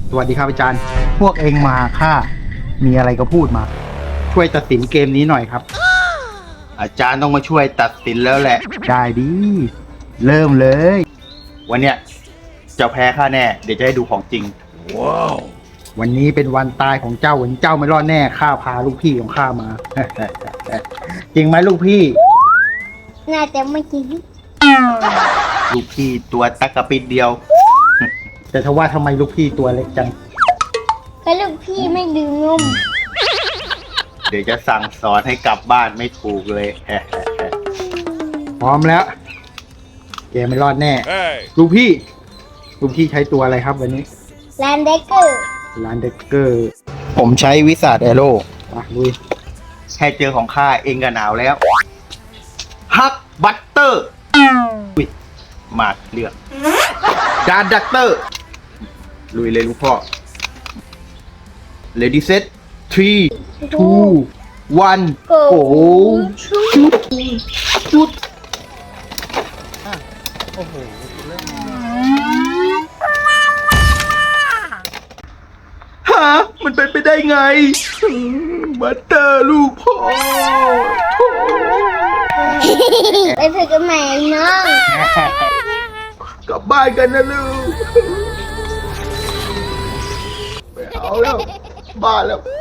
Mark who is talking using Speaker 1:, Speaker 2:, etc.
Speaker 1: สวัสดีครับอาจารย์ พวกเองมาค่ะมีอะไรก็พูดมา ช่วยตัดสินเกมนี้หน่อยครับ อาจารย์ต้องมาช่วยตัดสินแล้วแหละ ได้ดี เริ่มเลย วันเนี้ยเจ้าแพ้ข้าแน่ เดี๋ยวจะให้ดูของจริง ว้าว วันนี้เป็นวันตายของเจ้าวันนี้เจ้าไม่รอดแน่ข้าพาลูกพี่ของข้ามา จริงไหมลูกพี่
Speaker 2: น่าจะไม่จริง
Speaker 1: ลูกพี่ตัวตะกะปิดเดียว แต่ถ้าว่าทำไมลูกพี่ตัวเล็กจัง
Speaker 2: ก็ลูกพี่ไม่ดื่มนม
Speaker 1: เดี๋ยวจะสั่งสอนให้กลับบ้านไม่ถูกเลย พร้อมแล้วแกไม่รอดแน่ ลูกพี่ใช้ตัวอะไรครับวันนี้
Speaker 2: แลนเดเกอร์
Speaker 1: ร้านเด็กเกอร์ ผมใช้วิสาดแอโร่มาลุยแค่เจอของข้าเองก็หนาวแล้ว ฮักบัตเตอร์อุ้ยมาเลือกดาร์ดักเตอร์ ลุยเลยลูกพ่อ Ready set 3 2 1 go ชุดโอ้โหฮะมันเป็นไปได้ไง บัตเตอร์ลูกพ่อ
Speaker 2: ไปฝึกกันใหม่น้อง
Speaker 1: กลับบ้านกันนะลูก ไปเอาแล้ว บ้านแล้ว